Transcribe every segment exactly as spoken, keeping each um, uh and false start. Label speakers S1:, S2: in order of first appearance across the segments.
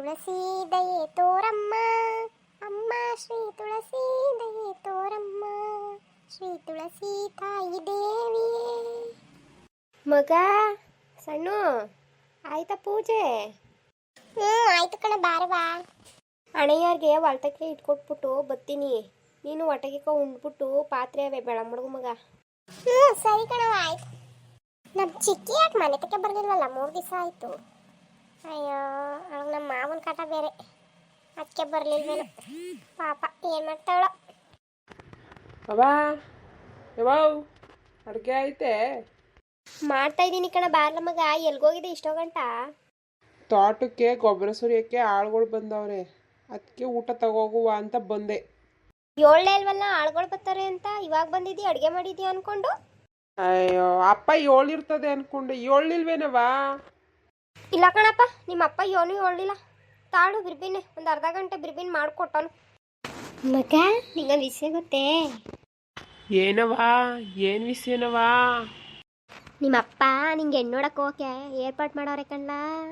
S1: ತುಳಸಿ ದಯೆ ತೋರಮ್ಮ ಅಮ್ಮ ಶ್ರೀ ತುಳಸಿ ದಯೆ ತೋರಮ್ಮ ಶ್ರೀ ತುಳಸಿ ತಾಯಿ ದೇವಿಯೇ. ಮಗ ಸಣ್ಣು ಆಯ್ತಾ ಪೂಜೆ? ಹ್ಞೂ ಆಯ್ತು ಕಣೆ, ಬಾರವಾ. ಅಣೆಯಾರ್ಗೆ ಹೊಲ್ತಕ್ಕೆ ಇಟ್ಕೊಟ್ಬಿಟ್ಟು ಬತ್ತೀನಿ, ನೀನು ಹೊಟ್ಟೆಗೆ ಉಂಡ್ಬಿಟ್ಟು ಪಾತ್ರೆ ಅವೇ ಬೆಳ ಮಡಗು ಮಗ. ಹ್ಞೂ ಸರಿ ಕಣವ, ಆಯ್ತು. ನಮ್ಮ ಚಿಕ್ಕಿ ಯಾಕೆ ಮನೆ ತಕ್ಕೆ ಬರ್ಲಿಲ್ವಲ್ಲ, ಮೂರು ದಿವಸ ಆಯಿತು. ಅಯ್ಯೋ ಅವಾಗ ನಮ್ಮ ಮಾವನ ಕಾಟ ಬೇರೆ, ಅದಕ್ಕೆ ಬರಲಿಲ್ವೇನು ಪಾಪ, ಏನು ಮಾಡ್ತಾವಳ.
S2: ಅವಾ ಯಾವಾವ್ ಅಡುಗೆ ಐತೆ?
S1: ಮಾಡ್ತಾ ಇದ್ದೀನಿ ಕಣ, ಬಾರ್ಲ ಮಗ. ಎಲ್ಗೋಗಿದೆ ಇಷ್ಟೋ ಗಂಟ?
S2: ತೋಟಕ್ಕೆ ಗೊಬ್ಬರ ಸುರಿಯೋಕ್ಕೆ ಆಳುಗಳು ಬಂದವ್ರೆ, ಅದಕ್ಕೆ ಊಟ ತಗೋಗುವ ಅಂತ ಬಂದೆ.
S1: ಏಳನೇ ಅಲ್ವಲ್ಲ ಆಳುಗಳು ಬರ್ತಾರೆ ಅಂತ, ಇವಾಗ ಬಂದಿದ್ದೀ ಅಡುಗೆ ಮಾಡಿದ್ದೀಯ ಅನ್ಕೊಂಡು?
S2: ಅಯ್ಯೋ ಅಪ್ಪ ಏಳಿರ್ತದೆ ಅನ್ಕೊಂಡು, ಏಳಿಲ್ವೇನವಾ?
S1: ಇಲ್ಲ ಕಣಪ್ಪ, ನಿಮ್ಮ ಅಪ್ಪ ಏನೂ ಹೇಳಿಲ್ಲ. ತಾಳು ಬಿರ್ಬಿನೆ, ಒಂದು ಅರ್ಧ ಗಂಟೆ ಬಿರ್ಬಿನ್ ಮಾಡಿಕೊಟ್ಟನು. ಮಗ ನಿಂಗೊಂದು ವಿಷಯ ಗೊತ್ತೇ?
S2: ಏನವಾ? ಏನು ವಿಷಯನವಾ?
S1: ನಿಮ್ಮಪ್ಪ ನಿಂಗೆ ಹೆಣ್ಣು ನೋಡಕ್ಕೆ ಹೋಗಕ್ಕೆ ಏರ್ಪಾಟ್ ಮಾಡೋರೆ ಕಣ್ಣ.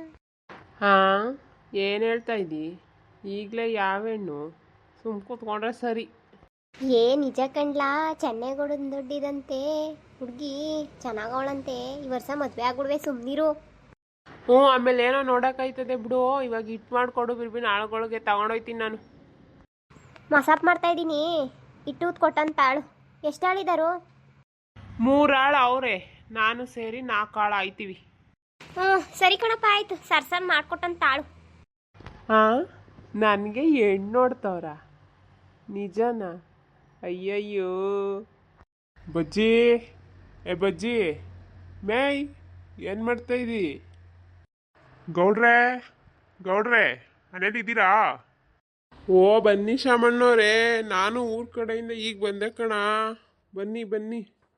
S2: ಹಾಂ, ಏನು ಹೇಳ್ತಾ ಇದ್ದಿ? ಈಗಲೇ ಯಾವ ಹೆಣ್ಣು? ಸುಮ್ ಕೂತ್ಕೊಂಡ್ರೆ ಸರಿ.
S1: ಏ ನಿಜ ಕಣ್ಲಾ, ಚೆನ್ನೈಗೌಡನ ದುಡ್ಡಿದಂತೆ ಹುಡುಗಿ ಚೆನ್ನಾಗವಳಂತೆ. ಈ ವರ್ಷ ಮದುವೆ ಆಗ್ಬಿಡ್ವೆ, ಸುಮ್ಮನಿರು.
S2: ಹ್ಞೂ, ಆಮೇಲೆ ಏನೋ ನೋಡೋಕ್ಕಾಯ್ತದೆ ಬಿಡು. ಇವಾಗ ಹಿಟ್ಟು ಮಾಡಿಕೊಡು ಬಿರ್ಬಿನ, ಆಳುಗಳಿಗೆ ತಗೊಂಡೋಯ್ತೀನಿ ನಾನು.
S1: ಮಸಾಪ್ ಮಾಡ್ತಾ ಇದ್ದೀನಿ, ಇಟ್ಟು ಕೊಟ್ಟಂತ ಆಳು. ಎಷ್ಟು ಆಳಿದಾರು?
S2: ಮೂರು ಆಳು ಅವರೇ, ನಾನು ಸೇರಿ ನಾಲ್ಕು ಆಳು ಆಯ್ತೀವಿ.
S1: ಹ್ಞೂ ಸರಿ ಕಣಪ್ಪ, ಆಯಿತು. ಸರ್ಸನ್ ಮಾಡಿಕೊಟ್ಟಂತ ಆಳು.
S2: ಹಾಂ, ನನಗೆ ಹೆಣ್ಣು ನೋಡ್ತವ್ರ? ನಿಜನಾ? ಅಯ್ಯಯ್ಯೋ. ಬಜ್ಜಿ, ಏ ಬಜ್ಜಿ, ಮೇಯ್ ಏನು ಮಾಡ್ತಾ ಇದ್ದಿ? ಗೌಡ್ರೆ, ಗೌಡ್ರೆ ಮನೇಲಿದ್ದೀರಾ? ಓ ಬನ್ನಿ ಶಾಮಣ್ಣವ್ರೆ, ನಾನು ಊರ ಕಡೆಯಿಂದ ಈಗ ಬಂದೆ ಕಣ. ಬನ್ನಿ ಬನ್ನಿ.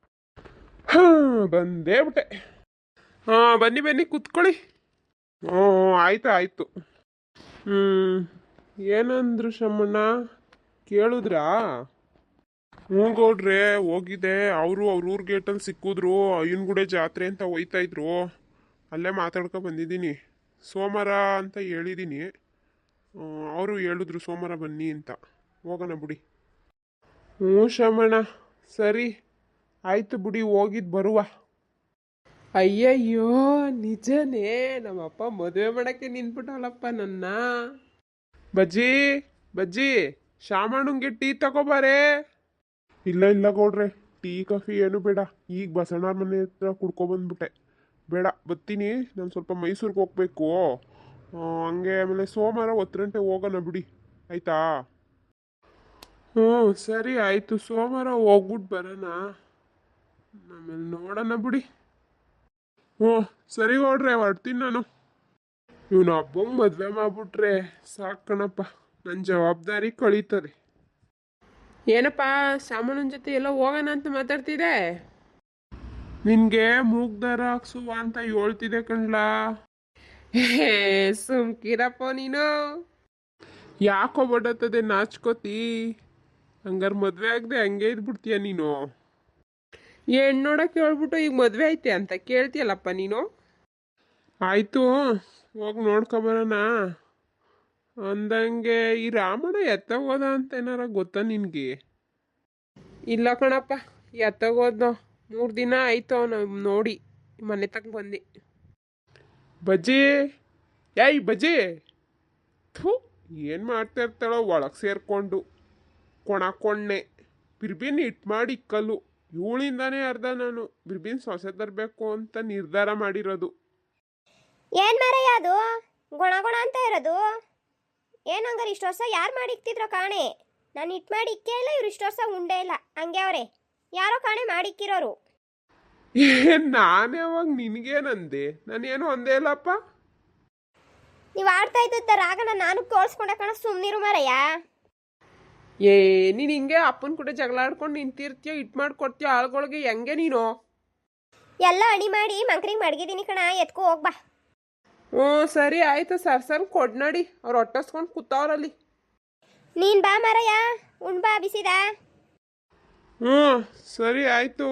S2: ಹಾಂ ಬಂದೇ ಬಿಟ್ಟೆ. ಹಾಂ ಬನ್ನಿ ಬನ್ನಿ ಕೂತ್ಕೊಳ್ಳಿ. ಹ್ಞೂ ಆಯ್ತು ಆಯಿತು. ಹ್ಞೂ ಏನಂದ್ರು ಶಾಮಣ್ಣ, ಕೇಳಿದ್ರಾ? ಹ್ಞೂ ಗೌಡ್ರೆ ಹೋಗಿದ್ದೆ. ಅವರು ಅವ್ರ ಊರ ಗೇಟಲ್ಲಿ ಸಿಕ್ಕಿದ್ರು, ಅಯ್ಯನಗುಡೆ ಜಾತ್ರೆ ಅಂತ ಹೋಯ್ತಾ ಇದ್ರು. ಅಲ್ಲೇ ಮಾತಾಡ್ಕೊ ಬಂದಿದ್ದೀನಿ. ಸೋಮವಾರ ಅಂತ ಹೇಳಿದ್ದೀನಿ. ಅವರು ಹೇಳಿದ್ರು ಸೋಮವಾರ ಬನ್ನಿ ಅಂತ. ಹೋಗೋಣ ಬಿಡಿ. ಹ್ಞೂ ಶಾಮಣ್ಣ ಸರಿ ಆಯಿತು ಬಿಡಿ, ಹೋಗಿದ್ದು ಬರುವ. ಅಯ್ಯಯ್ಯೋ ನಿಜನೇ, ನಮ್ಮಪ್ಪ ಮದುವೆ ಮಾಡೋಕ್ಕೆ ನಿಂತ್ಬಿಟ್ಟವಳಪ್ಪ ನನ್ನ. ಬಜ್ಜಿ ಬಜ್ಜಿ, ಶಾಮಣ್ಣಂಗೆ ಟೀ ತಗೋಬಾರೆ. ಇಲ್ಲ ಇಲ್ಲ ಗೌಡ್ರೆ, ಟೀ ಕಾಫಿ ಏನು ಬೇಡ. ಈಗ ಬಸಣ್ಣವ್ರ ಮನೆ ಹತ್ರ ಕುಡ್ಕೊಬಂದ್ಬಿಟ್ಟೆ. ಬೇಡ ಬತ್ತೀನಿ, ನಾನು ಸ್ವಲ್ಪ ಮೈಸೂರಿಗೆ ಹೋಗ್ಬೇಕು. ಹಂಗೆ ಆಮೇಲೆ ಸೋಮವಾರ ಹತ್ತು ಗಂಟೆ ಹೋಗೋಣ ಬಿಡಿ, ಆಯಿತಾ? ಹ್ಞೂ ಸರಿ ಆಯಿತು, ಸೋಮವಾರ ಹೋಗ್ಬಿಟ್ಟು ಬರೋಣ, ಆಮೇಲೆ ನೋಡೋಣ ಬಿಡಿ. ಹ್ಞೂ ಸರಿ ಗೌಡ್ರೆ, ಹೊರ್ತೀನಿ ನಾನು. ಇವನು ಹಬ್ಬಂಗೆ ಮದುವೆ ಮಾಡ್ಬಿಟ್ರೆ ಸಾಕಣಪ್ಪ, ನನ್ನ ಜವಾಬ್ದಾರಿ ಕಳೀತದೆ. ಏನಪ್ಪ ಸಾಮಾನ್ಯನ ಜೊತೆ ಎಲ್ಲ ಹೋಗೋಣ ಅಂತ ಮಾತಾಡ್ತಿದ್ದೆ? ನಿನಗೆ ಮೂಗ್ದಾರ ಹಾಕ್ಸುವ ಅಂತ ಹೇಳ್ತಿದ್ದೆ ಕಣ್ಲಾ. ಹೇ ಸುಮ್ಕಿರಪ್ಪ ನೀನು, ಯಾಕೋ ಬಡತ್ತದೆ ನಾಚ್ಕೋತಿ? ಹಂಗಾರೆ ಮದುವೆ ಆಗದೆ ಹಂಗೆ ಇದ್ಬಿಡ್ತೀಯ ನೀನು? ಹೆಣ್ಣು ನೋಡಕ್ಕೆ ಹೇಳ್ಬಿಟ್ಟು ಈಗ ಮದುವೆ ಐತೆ ಅಂತ ಕೇಳ್ತೀಯಲ್ಲಪ್ಪ ನೀನು. ಆಯಿತು ಹೋಗಿ ನೋಡ್ಕೊಬರೋಣ. ಅಂದಂಗೆ ಈ ರಾಮಣ್ಣ ಎತ್ತಗೋದ ಅಂತ ಏನಾರ ಗೊತ್ತಾ ನಿನಗೆ? ಇಲ್ಲ ಕಣಪ್ಪ, ಎತ್ತಗೋದ್ನೋ, ಮೂರು ದಿನ ಆಯಿತು ಅವನು ನೋಡಿ ಮನೆ ತಕ್ಕ ಬಂದು. ಬಜ್ಜಿ, ಏಯ್ ಬಜ್ಜಿ, ಥೂ ಏನು ಮಾಡ್ತಾ ಇರ್ತಾಳೋ ಒಳಗೆ ಸೇರಿಕೊಂಡು ಕೊಣಕೊಂಡೆ. ಬಿರ್ಬಿನ್ ಇಟ್ಟು ಮಾಡಿ ಇಕ್ಕಲ್ಲು. ಇವಳಿಂದಾನೇ ಅರ್ಧ ನಾನು ಬಿರ್ಬಿನ್ ಸೊಸೆ ತರಬೇಕು ಅಂತ ನಿರ್ಧಾರ ಮಾಡಿರೋದು.
S1: ಏನ್ ಮಾರಯ್ಯ ಅದು ಗುಣ ಗುಣ ಅಂತ ಇರೋದು? ಏನು ಹಂಗಾರೆ ಇಷ್ಟು ವರ್ಷ ಯಾರು ಮಾಡಿ ಇಕ್ತಿದ್ರೋ ಕಾಣೆ? ನಾನು ಇಟ್ಟು ಮಾಡಿ ಇಕ್ಕೇ ಇಲ್ಲ, ಇವ್ರು ಇಷ್ಟು ವರ್ಷ ಉಂಡೇ ಇಲ್ಲ, ಹಂಗೆ ಅವರೇ ಯಾರೋ ಕಾಣೆ ಮಾಡಿಕ್ಕಿರೋರು.
S2: ಏನು ನಾನು ಯಾವಾಗ ನಿನಗೇನಂದೆ? ನಾನೇನು ಅಂದೇ ಇಲ್ಲಪ್ಪ.
S1: ನೀವು ಆಡ್ತಾ ಇದ್ದ ರಾಗನ ನಾನು ತೋರಿಸ್ಕೊಂಡೆ ಕಣ, ಸುಮ್ಮನಿರು ಮಾರಯ್ಯ.
S2: ಏ ನೀನು ಹಿಂಗೆ ಅಪ್ಪನ ಕೂಡ ಜಗಳ ಆಡ್ಕೊಂಡು ನಿಂತಿರ್ತೀಯ, ಇಟ್ಟು ಮಾಡ್ಕೊಡ್ತೀಯ ಆಳುಗಳಿಗೆ, ಹೆಂಗೆ ನೀನು?
S1: ಎಲ್ಲ ಅಡಿ ಮಾಡಿ ಮಂಕ್ರಿಗೆ ಮಡಗಿದ್ದೀನಿ ಕಣ, ಎತ್ಕೊ ಹೋಗ್ಬಾ.
S2: ಹ್ಞೂ ಸರಿ ಆಯಿತು, ಸರ್ ಸರ್ ಕೊಡ್ ನೋಡಿ, ಅವ್ರು ಹೊಟ್ಟಸ್ಕೊಂಡು ಕೂತವ್ರಲ್ಲಿ.
S1: ನೀನು ಬಾ ಮಾರಯ್ಯ, ಉಣ್ ಬಾ ಬಿಸಿದ.
S2: ಹ್ಞೂ ಸರಿ ಆಯಿತು,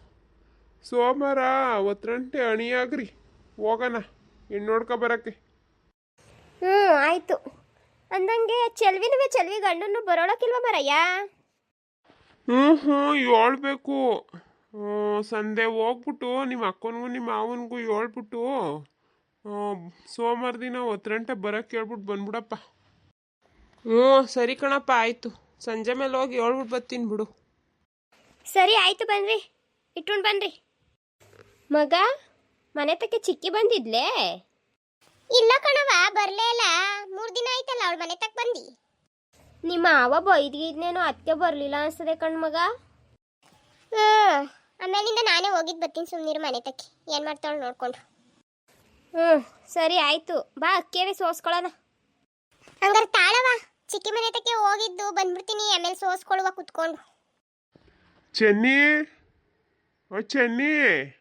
S2: ಸೋಮವಾರ ಹತ್ತು ಗಂಟೆ ಅಣಿಯಾಗ್ರಿ, ಹೋಗೋಣ ಹೆಣ್ಣು ನೋಡ್ಕೊ ಬರೋಕ್ಕೆ.
S1: ಹ್ಞೂ ಆಯಿತು. ಅಂದಂಗೆ ಚೆಲ್ವಿನೂ ಚೆಲ್ವಿ ಗಂಡನ್ನು ಬರೋಳಕ್ಕಿಲ್ವ ಮರಯ್ಯ?
S2: ಹ್ಞೂ ಹ್ಞೂ ಹೇಳ್ಬೇಕು. ಸಂದೆ ಹೋಗ್ಬಿಟ್ಟು ನಿಮ್ಮ ಅಕ್ಕನಿಗೂ ನಿಮ್ಮ ಮಾವನಿಗೂ ಹೇಳ್ಬಿಟ್ಟು ಸೋಮವಾರ ದಿನ ಹತ್ತು ಗಂಟೆ ಬರೋಕ್ಕೆ ಹೇಳ್ಬಿಟ್ಟು ಬಂದ್ಬಿಡಪ್ಪ. ಹ್ಞೂ ಸರಿ ಕಣಪ್ಪ, ಆಯಿತು. ಸಂಜೆ ಮೇಲೆ ಹೋಗಿ ಹೇಳ್ಬಿಟ್ಟು ಬರ್ತೀನಿ ಬಿಡು.
S1: ಸರಿ ಆಯಿತು, ಬನ್ನಿರಿ, ಇಟ್ಕೊಂಡು ಬನ್ನಿರಿ. ಮಗ, ಮನೆ ತಕ್ಕೆ ಚಿಕ್ಕಿ ಬಂದಿದ್ಲೇ? ಇಲ್ಲ ಕಣವ, ಬರಲೇ ಇಲ್ಲ. ಮೂರು ದಿನ ಆಯ್ತಲ್ಲ ಅವಳು ಮನೆ ತಕ್ಕ ಬಂದು. ನಿಮ್ಮ ಅವ ಬೈದಿದ್ನೇನೋ ಅದಕ್ಕೆ ಬರಲಿಲ್ಲ ಅನ್ಸ್ತದೆ ಕಣ್ ಮಗ. ಹ್ಞೂ, ಆಮೇಲಿಂದ ನಾನೇ ಹೋಗಿದ್ದು ಬರ್ತೀನಿ, ಸುಮ್ಮನಿರು ಮನೆ ತಕ್ಕಿ ಏನು ಮಾಡ್ತಾಳು ನೋಡ್ಕೊಂಡು. ಹ್ಞೂ ಸರಿ ಆಯಿತು, ಬಾ ಅಕ್ಕಿಯವೇ ಸೋಸ್ಕೊಳ್ಳೋಣ. ಹಂಗಾರೆ ತಾಳವ, ಚಿಕ್ಕಿ ಮನೆ ತಕ್ಕೆ ಹೋಗಿದ್ದು ಬಂದ್ಬಿಡ್ತೀನಿ, ಆಮೇಲೆ ಸೋಸ್ಕೊಳ್ಳುವ ಕುತ್ಕೊಂಡು.
S2: ಚೆನ್ನಿ, ಓ ಚೆನ್ನಿ,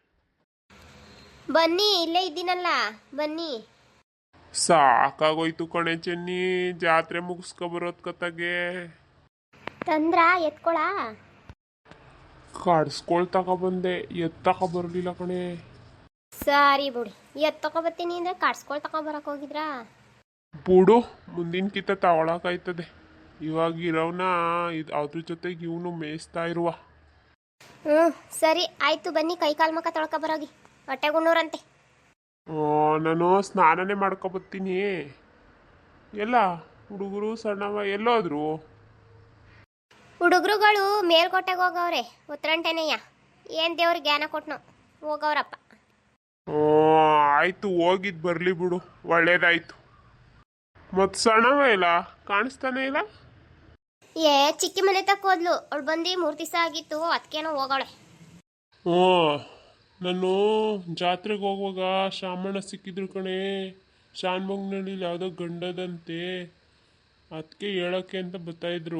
S1: ಬನ್ನಿ, ಇಲ್ಲೇ ಇದ್ದೀನಲ್ಲ, ಬನ್ನಿ.
S2: ಸಾಕಾಗೋಯ್ತು ಕಣೆ ಚೆನ್ನಿ, ಜಾತ್ರೆ ಮುಗಿಸ್ಕೊ ಬರೋದ್ ಕತ್ತಾಗೆ.
S1: ತಂದ್ರ ಎತ್ಕೊಳ
S2: ಕಡ್ಸ್ಕೊಳ್ ತಗೊಬಂದೆ, ಎತ್ ತಗೊ ಬರಲಿಲ್ಲ ಕಣೆ.
S1: ಸರಿ ಬಿಡಿ, ಎತ್ ತಗೊಬತ್ತೀನಿ ಅಂದ್ರೆ ಕಡ್ಸ್ಕೊಳ್ ತಗೊಬರಕ್ ಹೋಗಿದ್ರಾ?
S2: ಬಿಡು, ಮುಂದಿನ ಕಿತ್ತ ತಗೊಳಕಾಯ್ತದೆ. ಇವಾಗ ಇರೋವ್ನ ಇದು ಅದ್ರ ಜೊತೆಗೆ ಇವನು ಮೇಯಿಸ್ತಾ ಇರುವ.
S1: ಹ್ಞೂ ಸರಿ ಆಯಿತು, ಬನ್ನಿ, ಕೈ ಕಾಲು ಮುಖ ತೊಳ್ಕೊ ಬರೋಗಿ, ಹೊಟ್ಟೆ ಗುಣ್ಣೂರಂತೆ.
S2: ನಾನು ಸ್ನಾನನೇ ಮಾಡ್ಕೊಬತ್ತೀನಿ. ಎಲ್ಲ ಹುಡುಗರು ಸಣ್ಣವ ಎಲ್ಲೋದ್ರು?
S1: ಹುಡುಗರುಗಳು ಮೇಲ್ಕೋಟೆಗೆ ಹೋಗವ್ರೆ, ಉತ್ತರಂಟೆನೆಯ. ಏನು ದೇವ್ರಿಗೆ ಜ್ಞಾನ ಕೊಟ್ನೋ, ಹೋಗವ್ರಪ್ಪ.
S2: ಹ್ಞೂ ಆಯಿತು, ಹೋಗಿದ್ದು ಬರಲಿ ಬಿಡು, ಒಳ್ಳೇದಾಯ್ತು. ಮತ್ತು ಸಣ್ಣವ ಇಲ್ಲ, ಕಾಣಿಸ್ತಾನೆ ಇಲ್ಲ.
S1: ಏ ಚಿಕ್ಕಿ ಮನೆ ತಕ್ಕ ಹೋದ್ಲು, ಅವಳು ಬಂದು ಮೂರು ದಿವಸ ಆಗಿತ್ತು, ಅದಕ್ಕೇನೋ ಹೋಗವಳೆ.
S2: ಹ್ಞೂ, ನಾನು ಜಾತ್ರೆಗೆ ಹೋಗುವಾಗ ಶಾಮಣ್ಣ ಸಿಕ್ಕಿದ್ರು ಕಣೆ. ಶಾನ್ಭೋಗ್ನಲ್ಲಿ ಯಾವುದೋ ಗಂಡದಂತೆ, ಅದಕ್ಕೆ ಹೇಳೋಕ್ಕೆ ಅಂತ ಬರ್ತಾಯಿದ್ರು.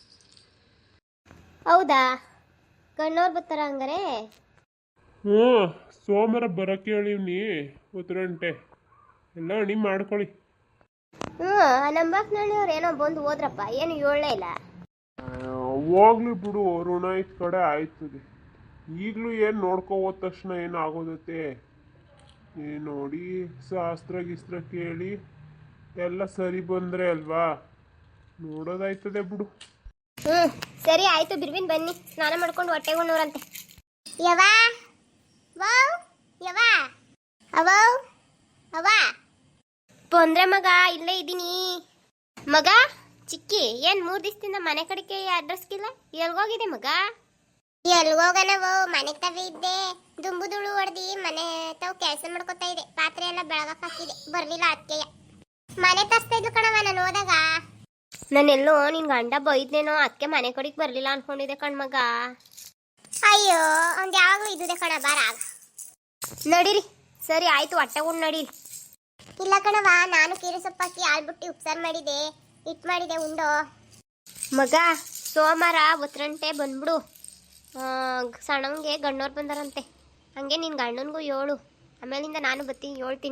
S1: ಹೌದಾ, ಗಣ್ಣವ್ರು ಬರ್ತಾರ ಹಂಗಾರೆ?
S2: ಹ್ಞೂ, ಸೋಮವಾರ ಬರೋಕ್ಕೆ ಹೇಳಿವ್ನಿ, ಹತ್ತು ಗಂಟೆ ಎಲ್ಲ ಅಣಿ ಮಾಡ್ಕೊಳ್ಳಿ.
S1: ಹ್ಞೂ, ನಂಬಕ್ನಳ್ಳಿಯವ್ರು ಏನೋ ಬಂದು ಹೋದ್ರಪ್ಪ, ಏನು ಹೇಳಲೇ ಇಲ್ಲ.
S2: ಹೋಗ್ಲಿ ಬಿಡು, ಋಣ ಇದ್ ಕಡೆ ಆಯ್ತದೆ. ಈಗಲೂ ಏನು ನೋಡ್ಕೊ ಹೋದ ತಕ್ಷಣ ಏನು ಆಗೋದತ್ತೆ. ಏನು ನೋಡಿ ಶಾಸ್ತ್ರ ಗಿಸ್ತ್ರ ಕೇಳಿ ಎಲ್ಲ ಸರಿ ಬಂದರೆ ಅಲ್ವಾ ನೋಡೋದಾಯ್ತದೆ ಬಿಡು.
S1: ಹ್ಞೂ ಸರಿ ಆಯಿತು, ಬಿರ್ಬಿನ್ ಬನ್ನಿ, ಸ್ನಾನ ಮಾಡ್ಕೊಂಡು ಹೊಟ್ಟೆ ಉಣ್ಣೂರಂತೆ. ಯವಾ ವಾವ್ ಯವಾ ಅವೋ ಅವ ಬಂದ್ರೆ ಮಗ, ಇಲ್ಲೇ ಇದ್ದೀನಿ. ಮಗ ಚಿಕ್ಕಿ, ಏನು ಮೂರು ದಿವಸದಿಂದ ಮನೆ ಕಡೆಗೆ ಅಡ್ರೆಸ್ಗಿಲ್ಲ, ಎಲ್ಗೋಗಿದೆ ಮಗ? ಎಲ್ಗೋಗನವೋ, ಮನೆ ತವೇ ಇದ್ದೆ. ದುಂಬು ದುಳು ಹೊಡೆದಿ ಮನೆ ತಾವು ಕೆಲಸ ಮಾಡ್ಕೊತಾ ಇದೆ, ಪಾತ್ರೆ ಎಲ್ಲ ಬೆಳಗಕ್ಕೆ ಹಾಕಿದೆ, ಬರಲಿಲ್ಲ ಅದಕ್ಕೆ. ಮನೆ ತರಿಸ್ತಾ ಇದ್ಲು ಕಣವ ನಾನು ಹೋದಾಗ. ನಾನೆಲ್ಲೋ ನಿನ್ ಗಂಡ ಬೈದ್ನೇನೋ, ಅದಕ್ಕೆ ಮನೆ ಕಡೆಗೆ ಬರಲಿಲ್ಲ ಅನ್ಕೊಂಡಿದ್ದೆ ಕಣ್ಮಗ. ಅಯ್ಯೋ, ಒಂದು ಯಾವಾಗಲೂ ಇದ್ದಿದೆ ಕಣ, ಬಾರ ನಡೀರಿ. ಸರಿ ಆಯ್ತು, ಹೊಟ್ಟೆ ಉಂಡು ನಡೀರಿ. ಇಲ್ಲ ಕಣವ, ನಾನು ಕೀರೆ ಸೊಪ್ಪಾಕಿ ಆಳ್ಬಿಟ್ಟು ಉಪ್ಸಾರು ಮಾಡಿದೆ, ಹಿಟ್ಟು ಮಾಡಿದೆ, ಉಂಡೋ. ಮಗ ಸೋಮವಾರ ಒತ್ತರಂಟೆ ಬಂದ್ಬಿಡು. ಸಣ್ಣಂಗೆ ಗಣ್ಣವ್ರು ಬಂದಾರಂತೆ, ಹಂಗೆ ನಿನ್ನ ಗಂಡನಿಗೂ ಏಳು, ಆಮೇಲಿಂದ ನಾನು ಬರ್ತೀನಿ, ಹೇಳ್ತೀನಿ.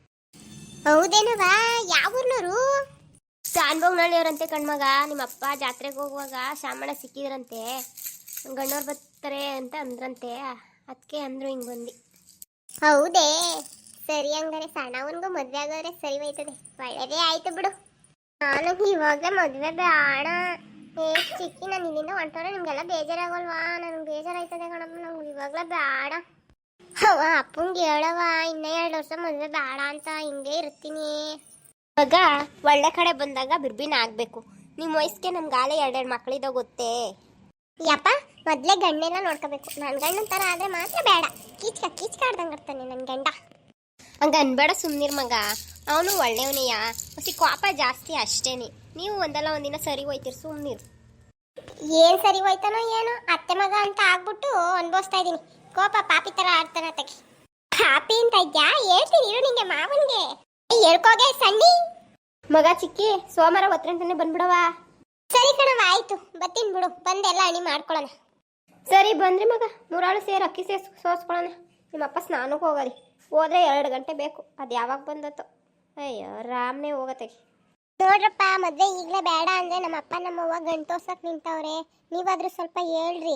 S1: ಹೌದೇನವ, ಯಾವ ಊರ್ನವರು? ಶಾನ್ಭೋಗ್ನಳ್ಳಿಯವ್ರಂತೆ ಕಣ್ಮಗ. ನಿಮ್ಮಪ್ಪ ಜಾತ್ರೆಗೆ ಹೋಗುವಾಗ ಶಾಮಣ್ಣ ಸಿಕ್ಕಿದ್ರಂತೆ, ಗಣ್ಣವ್ರು ಬರ್ತಾರೆ ಅಂತ ಅಂದ್ರಂತೆ, ಅದಕ್ಕೆ ಅಂದ್ರು ಹಿಂಗೆ ಬಂದು. ಹೌದೇ, ಸರಿ, ಹಂಗಾರೆ ಸಣ್ಣವನ್ಗೂ ಮದುವೆ ಆಗೋದ್ರೆ ಸರಿ ಹೋಯ್ತದೆ, ಒಳ್ಳೆಯದೇ ಆಯ್ತು ಬಿಡು. ನಾನು ಇವಾಗಲೇ ಮದುವೆ ಬೇಡ. ಏ ಚಿಕ್ಕಿ, ನಾನು ಇಲ್ಲಿಂದ ಹೊಂಟೋರೆ ನಿಮ್ಗೆಲ್ಲ ಬೇಜಾರಾಗಲ್ವಾ? ನನಗೆ ಬೇಜಾರಾಯ್ತದೆ ಕಣಪ್ಪ, ನಂಗೆ ಇವಾಗಲೇ ಬೇಡ. ಅವ ಅಪ್ಪಂಗೆ ಹೇಳವ, ಇನ್ನೂ ಎರಡು ವರ್ಷ ಮದುವೆ ಬೇಡ ಅಂತ, ಹಿಂಗೆ ಇರ್ತೀನಿ. ಮಗ ಒಳ್ಳೆ ಕಡೆ ಬಂದಾಗ ಬಿರ್ಬಿನ ಆಗಬೇಕು. ನಿಮ್ಮ ವಯಸ್ಸಿಗೆ ನಮ್ಗೆ ಆಲೆ ಎರಡೆರಡು ಮಕ್ಕಳಿದ್ದ ಗೊತ್ತೇ. ಯಪ್ಪ, ಮೊದಲೇ ಗಂಡೆಲ್ಲ ನೋಡ್ಕೋಬೇಕು. ನನ್ನ ಗಂಡನ ಥರ ಆದರೆ ಮಾತ್ರ ಬೇಡ, ಕೀಚ್ಕ ಕೀಚ್ಕಾಡ್ದಂಗೆ ಇರ್ತಾನೆ ನನ್ನ ಗಂಡ. ಹಂಗೆ ಅನ್ಬೇಡ, ಸುಮ್ಮನಿರ್ ಮಗ, ಅವನು ಒಳ್ಳೆಯವನೆಯ, ಮತ್ತೆ ಕೋಪ ಜಾಸ್ತಿ ಅಷ್ಟೇನೆ. ನೀವು ಒಂದಲ್ಲ ಒಂದಿನ ಸರಿ ಹೋಯ್ತೀರಿ, ಸುಮ್ಮನಿರು. ಏನು ಸರಿ ಹೋಯ್ತಾನೋ ಏನೋ, ಅತ್ತೆ ಮಗ ಅಂತ ಆಗ್ಬಿಟ್ಟು ಅನ್ಭವಿಸ್ತಾ ಇದ್ದೀನಿ. ಕೋಪ ಪಾಪಿ ಥರ ಆಡ್ತಾನ ತಗಿ. ಪಾಪಿ ಅಂತ ಇದ್ಯಾ? ಹೇಳ್ತೀನಿ ಇರು ನಿಂಗೆ, ಮಾವನ್ಗೆ ಹೇಳ್ಕೋಗೆ ಸಣ್ಣಿ. ಮಗ ಚಿಕ್ಕಿ, ಸೋಮವಾರ ಒತ್ತರಂಟನೆ ಬಂದ್ಬಿಡವ. ಸರಿ ಕಣವ, ಆಯ್ತು, ಬರ್ತೀನಿ ಬಿಡು, ಬಂದೆಲ್ಲ ಅಣಿ ಮಾಡ್ಕೊಳ್ಳೋಣ. ಸರಿ ಬಂದ್ರಿ ಮಗ, ಮೂರಾಳು ಸೇರಿ ಅಕ್ಕಿ ಸೇರಿ ಸೋಸ್ಕೊಳ್ಳೋಣ. ನಿಮ್ಮಪ್ಪ ಸ್ನಾನಕ್ಕೆ ಹೋಗೋರಿ, ಹೋದ್ರೆ ಎರಡು ಗಂಟೆ ಬೇಕು, ಅದು ಯಾವಾಗ ಬಂದತ್ತೋ. ಅಯ್ಯೋ ರಾಮ್ನೇ ಹೋಗತ್ತೆ. ನೋಡ್ರಪ್ಪ, ಮದುವೆ ಈಗಲೇ ಬೇಡ ಅಂದರೆ ನಮ್ಮಪ್ಪ ನಮ್ಮವ್ವ ಗಂಟು ತೋರ್ಸಕ್ಕೆ ನಿಂತವ್ರೆ. ನೀವಾದರೂ ಸ್ವಲ್ಪ ಹೇಳ್ರಿ.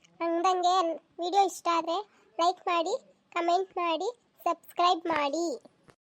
S1: ಹಂಗಂಗೆ ವಿಡಿಯೋ ಇಷ್ಟ ಆದರೆ ಲೈಕ್ ಮಾಡಿ, ಕಮೆಂಟ್ ಮಾಡಿ, ಸಬ್ಸ್ಕ್ರೈಬ್ ಮಾಡಿ.